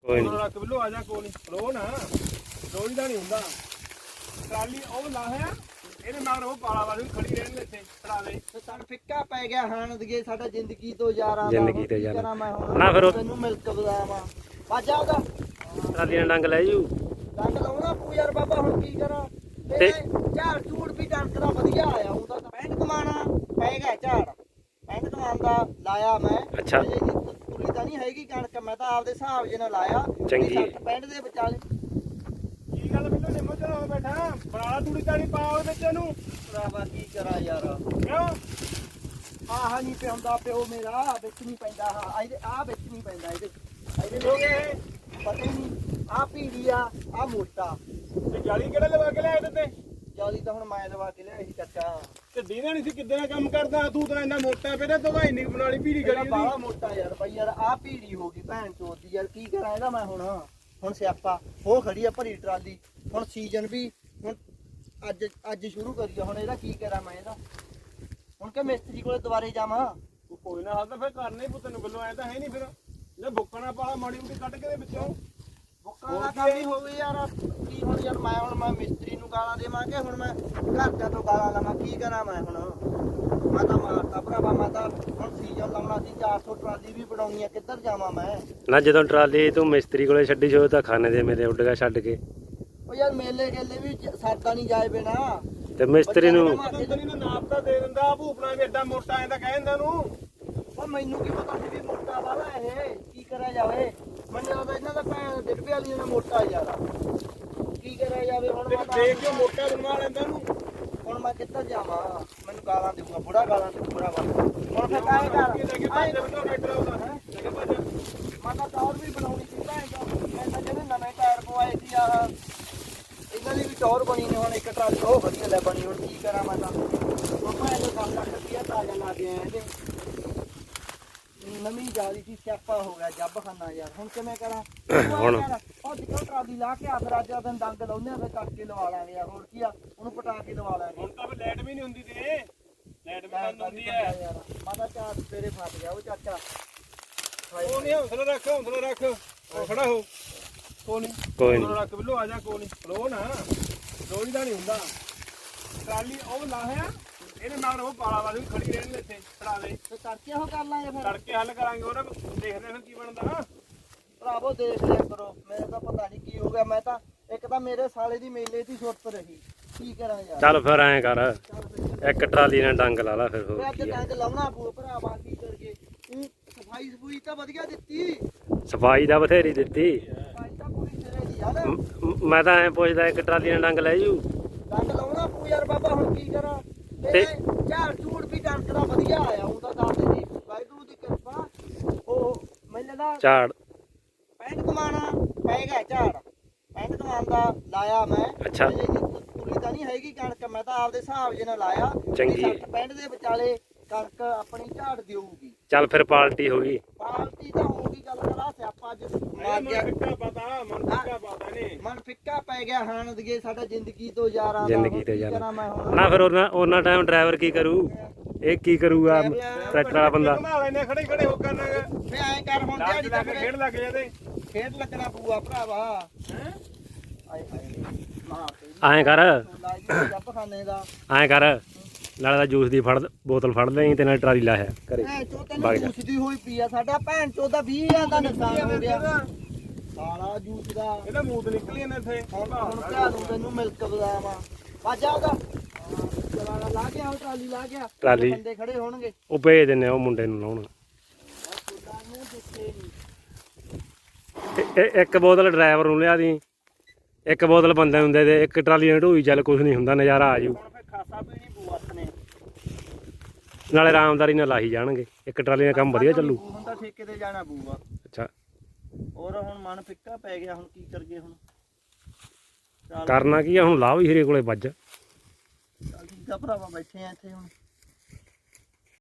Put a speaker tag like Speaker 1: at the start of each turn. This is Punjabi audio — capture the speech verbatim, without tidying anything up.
Speaker 1: ਕੋਈ ਨਹੀਂ
Speaker 2: ਰੱਖ ਬਿੱਲੋ ਆ ਜਾ ਕੋਲ ਨਹੀਂ ਰੋ ਨਾ ਰੋਈ ਦਾ ਨਹੀਂ ਹੁੰਦਾ ਟਰਾਲੀ ਉਹ ਲਾਹਿਆ ਇਹਦੇ ਮਗਰ ਉਹ ਪਾਲਾ ਵਾਲੀ ਖੜੀ ਰਹਿਣ ਦੇ ਇੱਥੇ ਟਰਾਲੇ
Speaker 3: ਤੇ ਤਨ ਫਿੱਕਾ ਪੈ ਗਿਆ ਹਾਣ ਦਗੇ ਸਾਡਾ ਜ਼ਿੰਦਗੀ ਤੋਂ ਯਾਰਾਂ ਦਾ
Speaker 1: ਜ਼ਿੰਦਗੀ ਤੇ
Speaker 3: ਕੀ
Speaker 1: ਯਾਰਾਂ।
Speaker 3: ਕਰਾਂ ਮੈਂ ਹੁਣ
Speaker 1: ਨਾ ਫਿਰ ਉਹ-
Speaker 3: ਤੈਨੂੰ ਮਿਲਕ ਬਦਾਵਾ ਵਾਜਾ ਉਹਦਾ
Speaker 1: ਟਰਾਲੀ ਨਾਲ ਡੰਗ ਲੈ ਜੂ
Speaker 3: ਡੰਗ ਲਾਉਣਾ ਪੂ ਯਾਰ ਬਾਬਾ ਹੁਣ ਕੀ ਕਰਾਂ ਤੇ
Speaker 1: ਤੇ-
Speaker 3: ਝਾੜ ਝੂੜ ਵੀ ਡੰਗ ਦਾ ਵਧੀਆ ਆਇਆ ਉਹਦਾ ਤਾਂ ਪੈਂਟ ਕਮਾਣਾ ਪੈ ਗਿਆ ਝਾੜ ਪੈਂਟ ਕਮਾਨ ਦਾ ਲਾਇਆ ਮੈਂ
Speaker 1: ਅੱਛਾ।
Speaker 3: ਅਜੇ ਜੀ ਤੁਲੀ ਤਾਂ ਨਹੀਂ ਹੈਗੀ ਕਣਕ ਮੈਂ ਤਾਂ ਆਪਦੇ ਹਿਸਾਬ ਜੇ ਨਾਲ ਲਾਇਆ
Speaker 1: ਚੰਗੀ।
Speaker 3: ਸੱਠ ਪੈਂਟ ਦੇ ਵਿਚਾਲੇ
Speaker 2: ਕੀ ਗੱਲ ਬਿੱਲੋ ਨਿੰਮੋ ਚਲੋ ਬੈਠਾ ਬਰਾਲਾ ਤੂੜੀ ਤਾੜੀ ਪਾ ਉਹਦੇ ਵਿੱਚ ਇਹਨੂੰ
Speaker 3: ਭਰਾਵਾ ਕੀ ਕਰਾਂ ਯਾਰ
Speaker 2: ਕਿਉਂ
Speaker 3: ਆਹ ਨਹੀਂ ਪਿਆਉਂਦਾ ਪਿਓ ਮੇਰਾ ਵਿੱਚ ਨਹੀਂ ਪੈਂਦਾ ਹਾਂ ਇਹਦੇ ਆ ਵਿੱਚ ਨਹੀਂ ਪੈਂਦਾ ਇਹਦੇ ਇਹਦੇ
Speaker 2: ਹੋ ਗਏ
Speaker 3: ਪਤਾ ਹੀ ਨਹੀਂ ਆ ਪੀੜੀ ਆ ਆ ਮੋਟਾ
Speaker 2: ਤੇ ਜਾਲੀ ਕਿਹੜਾ ਲਵਾ ਕੇ ਲਿਆ ਇਹਦੇ ਤੇ
Speaker 3: ਜਾਲੀ ਤਾਂ ਹੁਣ ਮੈਂ ਲਵਾ ਕੇ ਲਿਆਈ ਸੀ ਚਾਚਾ
Speaker 2: ਤੇ ਦੀਨਾ ਨਹੀਂ ਸੀ ਕਿੱਦਾਂ ਦਾ ਕੰਮ ਕਰਦਾ ਤੂੰ ਤਾਂ ਇੰਨਾ ਮੋਟਾ ਪਿਆ ਤੇ ਦਵਾਈ ਨਹੀਂ ਬਣਾਲੀ ਪੀੜੀ
Speaker 3: ਇਹਦਾ
Speaker 2: ਗਲੀ
Speaker 3: ਬਾਹਲਾ
Speaker 2: ਦੀ
Speaker 3: ਮੋਟਾ ਯਾਰ ਬਾਈ ਯਾਰ ਆ ਪੀੜੀ ਹੋ ਗਈ ਭੈਣ ਚੋਦ ਦੀ ਯਾਰ ਕੀ ਕਰਾਂ ਇਹਦਾ ਮੈਂ ਹੁਣ ਹੁਣ ਸਿਆਪਾ ਉਹ ਖੜੀ ਆ ਭਰੀ ਟਰਾਲੀ ਹੁਣ ਸੀਜ਼ਨ ਵੀ ਹੁਣ ਅੱਜ ਅੱਜ ਸ਼ੁਰੂ ਕਰੀਆ ਹੁਣ ਇਹਦਾ ਕੀ ਕਰਾਂ ਮੈਂ ਇਹਦਾ ਹੁਣ ਕਿ ਮਿਸਤਰੀ ਕੋਲੇ ਦੁਬਾਰੇ ਜਾਵਾਂ
Speaker 2: ਤੂੰ ਕੋਈ ਨਾ ਹਾਲ ਤਾਂ ਫਿਰ ਕਰਨਾ ਹੀ ਪੁੱਤ ਨੂੰ ਬਿੱਲੋ ਐ ਤਾਂ ਹੈ ਨਹੀਂ ਫਿਰ ਲੈ ਬੁੱਕਣਾ ਪਾਲਾ ਮਾੜੀ ਮੋਟੀ ਕੱਢ ਕੇ ਦੇ ਵਿੱਚੋਂ
Speaker 3: ਬੁੱਕਾਂ ਦਾ ਕੰਮ ਹੀ ਹੋਵੇ ਯਾਰ ਕੀ ਹੁਣ ਯਾਰ ਮੈਂ ਹੁਣ ਮੈਂ ਮਿਸਤਰੀ ਨੂੰ ਗਾਲਾਂ ਦੇਵਾਂਗੇ ਹੁਣ ਮੈਂ ਘਰਦਿਆਂ ਤੋਂ ਗਾਲਾਂ ਲਵਾਂ ਕੀ ਕਰਾਂ ਮੈਂ ਹੁਣ ਮੈਂ ਤਾਂ ਮਾਰਤਾ ਭਰਾਵਾ ਮੈਂ ਤਾਂ ਹੁਣ ਸੀਜ਼ਨ ਲਾਉਣਾ ਸੀ ਚਾਰ ਸੌ ਟਰਾਲੀ ਵੀ ਬਣਾਉਣੀ ਆ ਕਿੱਧਰ ਜਾਵਾਂ ਮੈਂ
Speaker 1: ਨਾ ਜਦੋਂ ਟਰਾਲੀ ਤੂੰ ਮਿਸਤਰੀ ਕੋਲੇ ਛੱਡੀ ਸੀ ਉਹ ਤਾਂ ਖਾਣੇ ਦੇ ਮੇਰੇ ਉੱਡ ਗਿਆ ਛੱਡ ਕੇ
Speaker 3: ਉਹ ਯਾਰ ਮੇਲੇ ਗੇਲੇ ਵੀ ਸਰਦਾ ਨਹੀਂ ਜਾਏ ਬਿਨਾ
Speaker 1: ਤੇ ਮਿਸਤਰੀ ਨੂੰ
Speaker 2: ਤੇਰੀ ਨਾ ਨਾਪ ਤਾਂ ਦੇ ਦਿੰਦਾ ਭੂਪਣਾ ਵੀ ਐਡਾ ਮੋਟਾ ਐ ਤਾਂ ਕਹਿ ਦਿੰਦਾ ਨੂੰ
Speaker 3: ਉਹ ਮੈਨੂੰ ਕੀ ਪਤਾ ਸੀ ਵੀ ਮੋਟਾ ਵਾਲਾ ਇਹ ਕੀ ਕਰਿਆ ਜਾਵੇ ਮੈਨੂੰ ਲੱਗਦਾ ਇਹਨਾਂ ਦਾ ਭੈਣ ਡਿੱਬੇ ਵਾਲੀ ਦਾ ਮੋਟਾ ਯਾਰ ਕੀ ਕਰਿਆ ਜਾਵੇ ਹੁਣ
Speaker 2: ਤੇ
Speaker 3: ਮੈਂ ਤਾਂ-
Speaker 2: ਦੇਖ ਕੇ ਮੋਟਾ ਬਣਵਾ ਲੈਂਦਾ ਨੂੰ
Speaker 3: ਹੁਣ ਮੈਂ ਕਿੱਧਰ ਜਾਵਾਂ ਮੈਨੂੰ ਗਾਲਾਂ ਦੇਊਗਾ ਬੁੜਾ ਗਾਲਾਂ ਦੇਊ ਬੁੜਾ ਵਾ ਹੁਣ ਫਿਰ ਕਾਹੇ ਕਰ
Speaker 2: ਲੈ ਕੇ ਭੱਜ ਬਿੱਲੋ ਟਰੈਕਟਰ ਆਉਂਦਾ ਲੈ ਕੇ ਭੱਜ
Speaker 3: ਮੈਂ ਤਾਂ ਟੌਰ ਵੀ ਬਣਾਉਣੀ ਸੀ ਭੈਣ ਚੋਦ। ਮੈਂ ਤਾਂ ਜਿਹੜੇ ਨਵੇਂ ਟਾਇਰ ਪਵਾਏ ਸੀ ਆਹ ਇਹਨਾਂ ਦੀ ਵੀ ਟੌਰ ਬਣੀ ਨੇ ਹੁਣ ਇੱਕ ਟਰਾਲੀ ਉਹ ਵਧੀਆ ਲੈ ਬਣੀ ਹੁਣ ਕੀ ਕਰਾਂ ਮੈਂ ਤਾਂ ਹੁਣ ਮੈਂ ਤਾਂ ਕੰਮ ਲੱਗ ਗਿਆ ਤਾਜ਼ਾ ਲਾ ਕੇ ਆਇਆ ਇਹਦੇ ਨਵੀਂ ਜਾਲੀ ਸੀ ਸਿਆਪਾ ਹੋ ਗਿਆ ਜੱਬ ਖਾਨਾ ਯਾਰ ਹੁਣ ਕਿਵੇਂ ਕਰਾਂ
Speaker 1: ਹੁਣ-
Speaker 3: ਉਹ ਜਿੱਦੋਂ ਟਰਾਲੀ ਲਾ ਕੇ ਆ ਫਿਰ ਅੱਜ ਦਾ ਦਿਨ ਡੰਗ ਲਾਉਂਦੇ ਆ ਫਿਰ ਕਰਕੇ ਲਵਾ ਲਾਂਗੇ ਯਾਰ ਹੋਰ ਕੀ ਆ ਉਹਨੂੰ ਪਟਾ ਕੇ ਲਵਾ ਲਾਂਗੇ
Speaker 2: ਹੁਣ ਤਾਂ ਫਿਰ ਲਾਈਟ ਵੀ ਨਹੀਂ ਹੁੰਦੀ ਤੇ ਲਾਈਟ ਵੀ
Speaker 3: ਮੈਂ
Speaker 2: ਬੰਦ
Speaker 3: ਤਾਂ
Speaker 2: ਹੁੰਦੀ
Speaker 3: ਵੀ
Speaker 2: ਐ
Speaker 3: ਬੰਦਾ ਯਾਰ ਮੈਂ ਤਾਂ ਚਾਰ ਤੇਰੇ ਫਸ ਗਿਆ ਉਹ ਚਾਚਾ
Speaker 2: ਉਹ ਨਹੀਂ ਹੌਸਲਾ ਰੱਖ ਹੌਸਲਾ ਰੱਖ ਉਹ ਖੜਾ ਹੋ ਕੋਈ ਨਹੀਂ
Speaker 1: ਕੋਈ ਨਹੀਂ
Speaker 2: ਹੌਸਲਾ ਰੱਖ ਬਿੱਲੋ ਆ ਜਾ ਕੋਈ ਨਹੀਂ ਰੋ ਨਾ ਰੋਈ ਦਾ ਨਹੀਂ ਹੁੰਦਾ ਟਰਾਲੀ ਉਹ ਲਾਹਿਆ ਇਹਦੇ ਮਗਰ ਉਹ ਪਾਲਾ ਵਾਲੀ ਖੜੀ ਰਹਿਣ ਦੇ ਇੱਥੇ ਟਰਾਲੇ
Speaker 3: ਤੇ ਕਰਕੇ ਉਹ ਕਰ ਲਾਂਗੇ ਫਿਰ
Speaker 2: ਤੜਕੇ ਹੱਲ ਕਰਾਂਗੇ ਉਹਦਾ ਦੇਖਦੇ ਹਾਂ ਕੀ ਬਣਦਾ
Speaker 3: ਭਰਾਵੋ ਦੇਖ ਲਿਆ ਕਰੋ ਮੇਰੇ ਤਾਂ ਪਤਾ ਨਹੀਂ ਕੀ ਹੋ ਗਿਆ ਮੈਂ ਤਾਂ ਇੱਕ ਤਾਂ ਮੇਰੇ ਸਾਲੇ ਦੀ ਮੇਲੇ ਦੀ ਸੁਰਤ ਰਹੀ ਕੀ ਕਰਾਂ ਯਾਰ
Speaker 1: ਚੱਲ ਫਿਰ ਐਂ ਕਰ
Speaker 3: ਚੱਲ ਫਿਰ
Speaker 1: ਇੱਕ ਟਰਾਲੀ ਨਾਲ ਡੰਗ ਲਾ ਲਾ ਫਿਰ ਹੋਰ
Speaker 3: ਅੱਜ
Speaker 1: ਕੀ ਆ
Speaker 3: ਡੰਗ ਲਾਉਣਾ ਪਊ ਭਰਾਵਾ ਕੀ ਕਰੀਏ ਤੂੰ ਸਫਾਈ ਸਫੂਈ ਤਾਂ ਵਧੀਆ ਦਿੱਤੀ
Speaker 1: ਸਫਾਈ ਦਾ ਬਥੇਰੀ ਦਿੱਤੀ
Speaker 3: ਸਫਾਈ ਤਾਂ ਪੂਰੀ ਸਿਰੇ ਦੀ ਯਾਰ
Speaker 1: ਮ- ਮ- ਮੈਂ ਤਾਂ ਐਂ ਪੁੱਛਦਾ ਇੱਕ ਟਰਾਲੀ ਨਾਲ ਡੰਗ ਲੈ ਜੂ
Speaker 3: ਡੰਗ ਲਾਉਣਾ ਪਊ ਯਾਰ ਬਾਬਾ ਹੁਣ ਕੀ ਕਰਾਂ ਤੇ
Speaker 1: ਤੇ-
Speaker 3: ਝਾੜ ਝੂੜ ਵੀ ਡੰਗ ਦਾ ਵਧੀਆ ਆਇਆ ਉਹ ਤਾਂ ਦੱਸ ਦੇ ਜੀ ਵਾਹਿਗੁਰੂ ਦੀ ਕਿਰਪਾ ਉਹ ਮੈਨੂੰ ਦਾ
Speaker 1: ਝਾੜ
Speaker 3: ਪੈਂਟ ਕਮਾਣਾ ਪੈ ਗਿਆ ਝਾੜ ਪੈਂਟ ਕਮਾਨ ਦਾ ਲਾਇਆ ਮੈਂ
Speaker 1: ਅੱਛਾ।
Speaker 3: ਅਜੇ ਜੀ ਤੁਲੀ ਤਾਂ ਨਹੀਂ ਹੈਗੀ ਕਣਕ ਮੈਂ ਤਾਂ ਆਪਦੇ ਹਿਸਾਬ ਜੇ ਨਾਲ ਲਾਇਆ
Speaker 1: ਚੰਗੀ।
Speaker 3: ਸੱਠ ਪੈਂਟ ਦੇ ਵਿਚਾਲੇ ਕਣਕ ਆਪਣੀ ਝਾੜ ਦੇਊਗੀ
Speaker 1: ਚੱਲ ਫਿਰ ਪਾਲਟੀ ਹੋ ਗਈ
Speaker 3: ਪਾਲਟੀ ਤਾਂ ਹੋਊਗੀ ਗੱਲ ਕਰਾ ਸਿਆਪਾ ਅੱਜ ਮਾਰ
Speaker 2: ਮਨ
Speaker 3: ਗਿਆ
Speaker 2: ਫਿੱਕਾ ਪਤਾ ਮਨ ਫਿੱਕਾ ਪਤਾ ਨਹੀਂ
Speaker 3: ਮਨ ਫਿੱਕਾ ਪੈ ਗਿਆ ਹਾਣ ਦਗੇ ਸਾਡਾ ਜ਼ਿੰਦਗੀ ਤੋਂ ਯਾਰਾਂ ਦਾ
Speaker 1: ਜ਼ਿੰਦਗੀ
Speaker 3: ਹੁਣ
Speaker 1: ਤੇ
Speaker 3: ਕੀ
Speaker 1: ਯਾਰਾਂ।
Speaker 3: ਕਰਾਂ ਮੈਂ ਹੁਣ
Speaker 1: ਨਾ ਫਿਰ ਉਹਨਾਂ ਉਹਨਾਂ ਟਾਈਮ ਡਰਾਈਵਰ ਕੀ ਕਰੂ ਇਹ ਕੀ ਕਰੂਗਾ ਟਰੈਕਟਰ ਵਾਲਾ ਬੰਦਾ
Speaker 2: ਘੁਮਾ ਲੈਨੇ ਖੜੇ ਖੜੇ ਹੋ ਕਰਨਾਗਾ
Speaker 3: ਫੇ ਐਂ ਕਰ ਹੁਣ
Speaker 2: ਲੱਗ
Speaker 3: ਦਿਹਾੜੀ
Speaker 2: ਲੱਗ
Speaker 3: ਤੱਕ
Speaker 2: ਖੇਡ ਲੱਗ ਜਾਂਦੇ
Speaker 3: ਖੇਡ ਲੱਗਣਾ ਪਊਆ ਭਰਾਵਾ
Speaker 2: ਹੈ
Speaker 3: ਆਏ ਹਾਏ ਮਾਂ
Speaker 1: ਐਂ ਕਰ
Speaker 3: ਤੇ ਜੱਪ ਖਾਨੇ ਦਾ
Speaker 1: ਐਂ ਕਰ ਨਾਲੇ ਦਾ ਜੂਸ ਦੀ ਫੜ ਬੋਤਲ ਫੜ ਲਈ ਤੇ ਨਾਲ ਟਰਾਲੀ ਲਾਇਆ ਕਰੇ
Speaker 3: ਭੈਣ ਚੋ
Speaker 1: ਵਗ
Speaker 3: ਤੈਨੂੰ
Speaker 1: ਜਾ।
Speaker 3: ਜੂਸ ਦੀ ਹੋਈ ਪਈ ਆ ਸਾਡਾ ਭੈਣ ਚੋ ਦਾ ਵੀਹ ਹਜ਼ਾਰ ਦਾ ਨੁਕਸਾਨ ਹੋ ਗਿਆ ਸਾਲਾ ਜੂਸ ਦਾ
Speaker 2: ਇਹਦਾ ਮੂਤ ਨਿਕਲੀ ਜਾਂਦਾ ਇੱਥੇ
Speaker 3: ਹੁਣ ਹੁਣ ਭਰਾ ਨੂੰ ਤੈਨੂੰ ਮਿਲਕ ਬਦਾਵਾ ਵਾਜਾ ਉਹਦਾ ਚਲਾਣਾ ਲਾ ਗਿਆ ਉਹ ਟਰਾਲੀ ਲਾ ਗਿਆ
Speaker 1: ਟਰਾਲੀ।
Speaker 3: ਬੰਦੇ ਖੜੇ ਹੋਣਗੇ
Speaker 1: ਉਹ ਭੇਜ ਦਿੰਨੇ ਆ ਉਹ ਮੁੰਡੇ ਨੂੰ ਲਾਉਣ
Speaker 3: ਖੁਦਾ ਨੂੰ ਦਿੱਤੇ ਨੀ।
Speaker 1: ਇਹ- ਇਹ ਇੱਕ ਬੋਤਲ ਡਰਾਈਵਰ ਨੂੰ ਲਿਆ ਦੀ ਇੱਕ ਬੋਤਲ ਬੰਦੇ ਨੂੰ ਦੇ ਦੇ ਇੱਕ ਟਰਾਲੀ ਨਾਲ ਢੋਈ ਚੱਲ ਕੁਝ ਨਹੀਂ ਹੁੰਦਾ ਨਜ਼ਾਰਾ ਆ ਜੂ
Speaker 3: ਹੁਣ ਫੇ ਖਾਸਾ ਪੀਣੀ ਪਊ ਆਪਣੇ
Speaker 1: ਨਾਲੇ ਆਰਾਮਦਾਰੀ ਨਾਲ ਲਾਹੀ ਜਾਣਗੇ ਇੱਕ ਟਰਾਲੀ ਨਾਲ ਕੰਮ ਵਧੀਆ ਚੱਲੂ
Speaker 3: ਹੁਣ ਤਾਂ ਠੇਕੇ ਤੇ ਜਾਣਾ ਪਊਗਾ
Speaker 1: ਅੱਛਾ
Speaker 3: ਹੋਰ ਹੁਣ ਮਨ ਫਿੱਕਾ ਪੈ ਗਿਆ ਹੁਣ ਕੀ ਕਰਗੇ ਹੁਣ ਚੱਲ
Speaker 1: ਕਰਨਾ ਕੀ ਆ ਹੁਣ ਲਾਹ ਵੀ ਹੀਰੇ ਕੋਲੇ ਵੱਜ
Speaker 3: ਚੱਲ ਠੀਕ ਆ ਭਰਾਵਾ ਬੈਠੇ ਆ ਇੱਥੇ ਹੁਣ